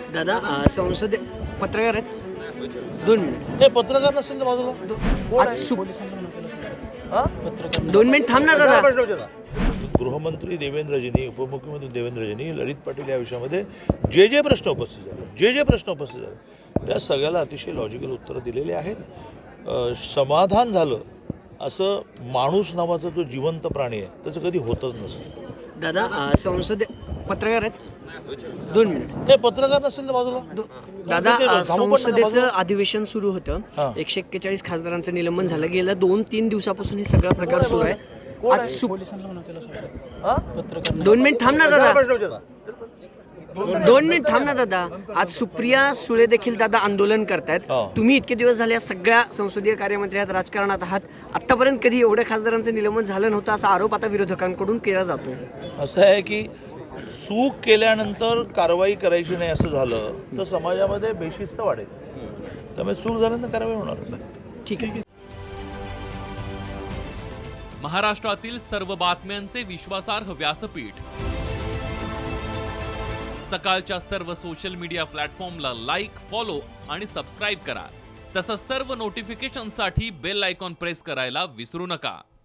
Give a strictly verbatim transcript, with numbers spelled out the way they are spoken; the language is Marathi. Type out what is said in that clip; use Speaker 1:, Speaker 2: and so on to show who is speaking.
Speaker 1: दादा अ, संसद पत्रकार आहेत दोन मिनिट
Speaker 2: ते पत्रकार नसेल तर बाजूला
Speaker 1: दो- आज सु दोन मिनिट थांब ना दादा.
Speaker 2: गृहमंत्री देवेंद्रजींनी उपमुख्यमंत्री देवेंद्रजींनी ललित पाटील या विषयामध्ये जे जे प्रश्न उपस्थित झाले जे जे प्रश्न उपस्थित झाले त्या सगळ्याला अतिशय लॉजिकल उत्तरं दिलेली आहेत. अ, समाधान झालं असं माणूस नावाचा जो जिवंत प्राणी आहे त्याचं कधी होतच नसतं.
Speaker 1: दादा अ, संसद पत्रकार आहेत दोन मिनिट
Speaker 2: ते पत्रकार नसेल तर बाजूला
Speaker 1: दो- दादा
Speaker 2: ते
Speaker 1: अ,
Speaker 2: थांबू पण नका
Speaker 1: संसदेचं
Speaker 2: बाजूला.
Speaker 1: अधिवेशन सुरू होतं.
Speaker 2: हां.
Speaker 1: एकशे एक्केचाळीस खासदारांचं निलंबन झालं. गेलं दोन तीन दिवसापासून हे सगळा प्रकार सुरू आहे. आज सु दोन मिनिट थांब ना दादा. दोन मिनिट थांब ना दादा. आज सुप्रिया सुळे देखील दादा आंदोलन करतायत.
Speaker 2: हो.
Speaker 1: तुम्ही इतके दिवस झाले या सगळ्या संसदीय कार्यमंत्री आहात, राजकारणात आहात. आतापर्यंत कधी एवढ्या खासदारांचं निलंबन झालं नव्हतं असा आरोप आता विरोधकांकडून केला जातो.
Speaker 2: असं आहे की चूक केल्यानंतर कारवाई करायची नाही असं झालं तर समाजामध्ये बेशिस्त वाढेल. त्यामुळे चूक झाल्यानंतर कारवाई होणार.
Speaker 1: ठीक आहे.
Speaker 3: महाराष्ट्रातील सर्व बातम्यांचे विश्वासार्ह व्यासपीठ सकाळच्या सर्व सोशल मीडिया प्लॅटफॉर्मला लाईक, फॉलो आणि सबस्क्राईब करा. तसंच सर्व नोटिफिकेशनसाठी बेल आयकॉन प्रेस करायला विसरू नका.